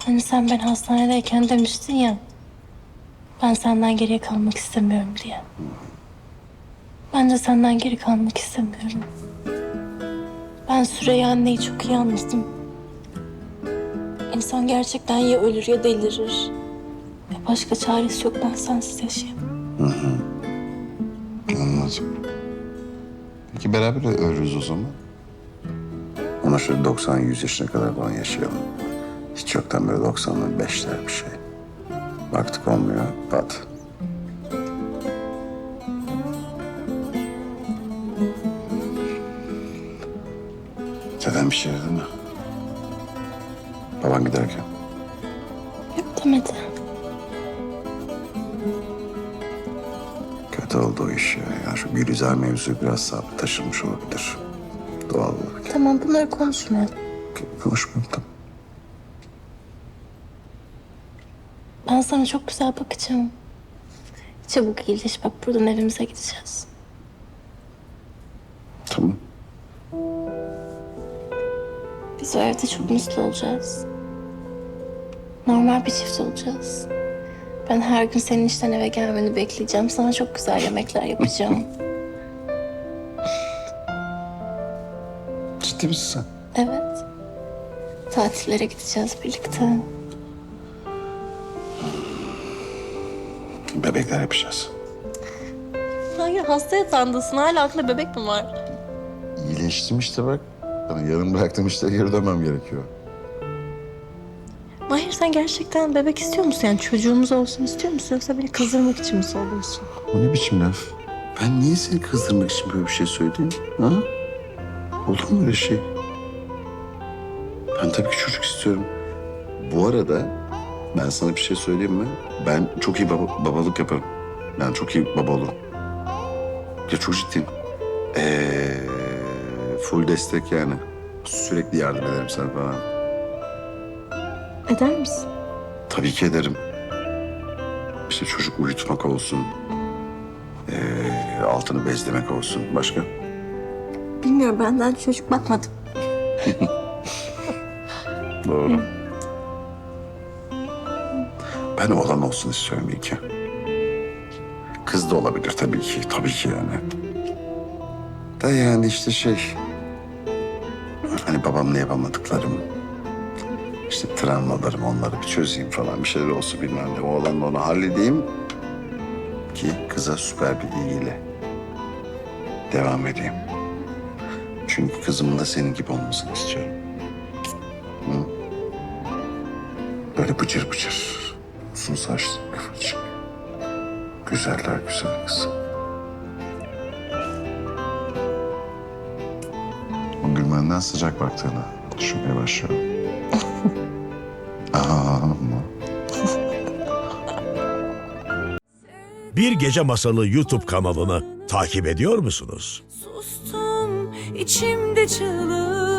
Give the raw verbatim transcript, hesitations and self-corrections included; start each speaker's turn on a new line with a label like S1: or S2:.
S1: Hani sen ben hastanedeyken demiştin ya, ben senden geriye kalmak istemiyorum diye. Ben de senden geri kalmak istemiyorum. Ben Süreyya anneyi çok iyi anladım. İnsan gerçekten ya ölür ya delirir. Ve başka çaresi yok, ben sensiz yaşayamam.
S2: Anladım. Peki beraber ölürüz o zaman. Ona şöyle doksan yüz yaşına kadar falan yaşayalım. Hiç yoktan böyle doksanlı beşler bir şey. Baktık olmuyor, pat. Zaten bir şey dedi mi? Baban giderken.
S1: Yok demedi.
S2: Kötü oldu o iş ya. Yani şu Gülizar mevzu biraz sabit taşırmış olabilir. Doğal olarak.
S1: Tamam, bunları konuşmayalım.
S2: Konuşmayalım tamam.
S1: Ben sana çok güzel bakacağım. Çabuk iyileş, bak buradan evimize gideceğiz.
S2: Tamam.
S1: Biz o evde çok mutlu olacağız. Normal bir çift olacağız. Ben her gün senin işten eve gelmeni bekleyeceğim. Sana çok güzel yemekler yapacağım.
S2: Ciddi misin sen?
S1: Evet. Tatillere gideceğiz birlikte.
S2: Bebekler yapacağız.
S1: Hayır, hasta yatağındasın. Hala aklında bebek mi var?
S2: İyileştim işte bak. Hani yarım bıraktığım işte geri dönmem gerekiyor.
S1: Mahir, sen gerçekten bebek istiyor musun? Yani çocuğumuz olsun istiyor musun? Yoksa beni kızdırmak için mi söylüyorsun?
S2: O ne biçim laf? Ben niye seni kızdırmak için böyle bir şey söyleyeyim? Ha? Olur mu öyle şey? Ben tabii ki çocuk istiyorum. Bu arada ben sana bir şey söyleyeyim mi? Ben çok iyi baba, babalık yaparım. Yani çok iyi baba olurum. Ya çok ciddiyim. Ee, full destek yani. Sürekli yardım ederim sana falan.
S1: Eder misin?
S2: Tabii ki ederim. İşte çocuk uyutmak olsun. Ee, altını bezlemek olsun. Başka?
S1: Bilmiyorum, benden çocuk bakmadım.
S2: Doğru. Ben oğlan olsun istiyorum iyi ki. Kız da olabilir tabii ki. Tabii ki yani. Da yani işte şey... Hani babamla yapamadıklarım... işte travmalarım, onları bir çözeyim falan. Bir şeyler olsun bilmem ne. Oğlanla onu halledeyim. Ki kıza süper bir ilgiyle devam edeyim. Çünkü kızımın da senin gibi olmasını istiyorum. Hı? Böyle bıcır bıcır, uzun saçlı, kıvırcık. Güzeller güzel kız. O gülmenden sıcak baktığını düşünmeye başlıyorum. Aa, ama.
S3: Bir Gece Masalı YouTube kanalını takip ediyor musunuz?
S4: Sustum içimde çığlık.